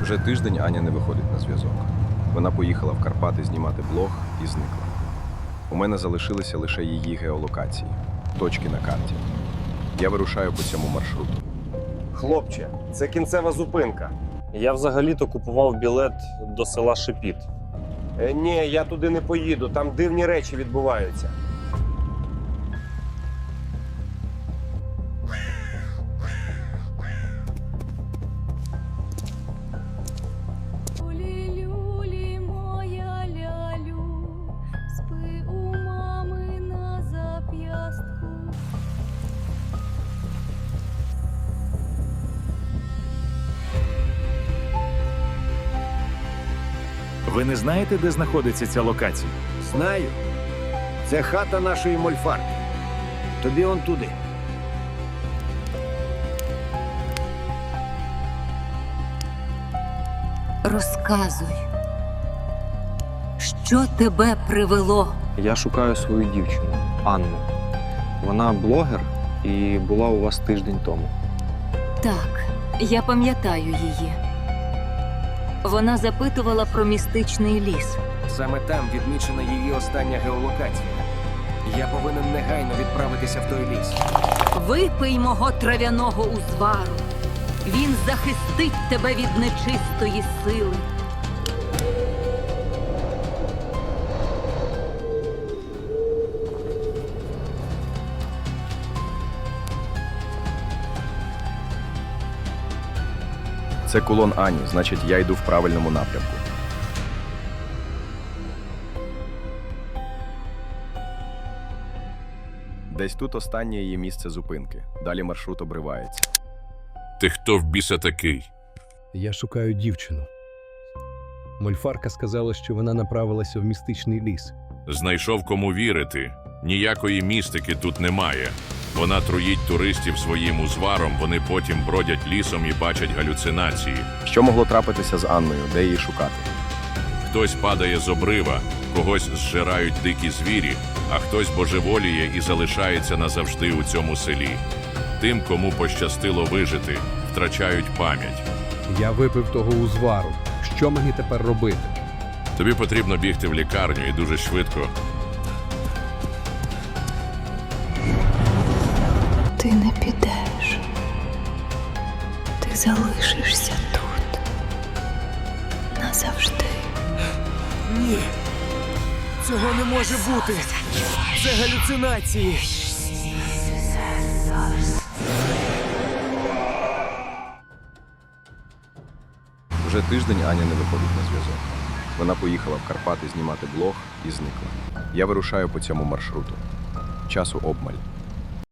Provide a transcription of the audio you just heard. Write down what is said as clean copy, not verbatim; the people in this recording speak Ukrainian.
Вже тиждень Аня не виходить на зв'язок. Вона поїхала в Карпати знімати блог і зникла. У мене залишилися лише її геолокації, точки на карті. Я вирушаю по цьому маршруту. Хлопче, це кінцева зупинка. Я взагалі-то купував білет до села Шепіт. Ні, я туди не поїду, там дивні речі відбуваються. Люлі, моя лялю, спи у мами на зап'ястку. Ви не знаєте, де знаходиться ця локація? Знаю. Це хата нашої мольфарки. Тобі он туди. Розказуй, що тебе привело? Я шукаю свою дівчину, Анну. Вона блогер і була у вас тиждень тому. Так, я пам'ятаю її. Вона запитувала про містичний ліс. Саме там відмічена її остання геолокація. Я повинен негайно відправитися в той ліс. Випий мого трав'яного узвару. Він захистить тебе від нечистої сили. Це кулон Ані, значить, я йду в правильному напрямку. Десь тут останнє її місце зупинки. Далі маршрут обривається. Ти хто в біса такий? Я шукаю дівчину. Мольфарка сказала, що вона направилася в містичний ліс. Знайшов кому вірити. Ніякої містики тут немає. Вона труїть туристів своїм узваром, вони потім бродять лісом і бачать галюцинації. Що могло трапитися з Анною? Де її шукати? Хтось падає з обрива, когось зжирають дикі звірі, а хтось божеволіє і залишається назавжди у цьому селі. Тим, кому пощастило вижити, втрачають пам'ять. Я випив того узвару. Що мені тепер робити? Тобі потрібно бігти в лікарню і дуже швидко. Ти не підеш. Ти залишишся тут. Назавжди. Ні! Цього не може бути! Це галюцинації! Вже тиждень Аня не виходить на зв'язок. Вона поїхала в Карпати знімати блог і зникла. Я вирушаю по цьому маршруту. Часу обмаль.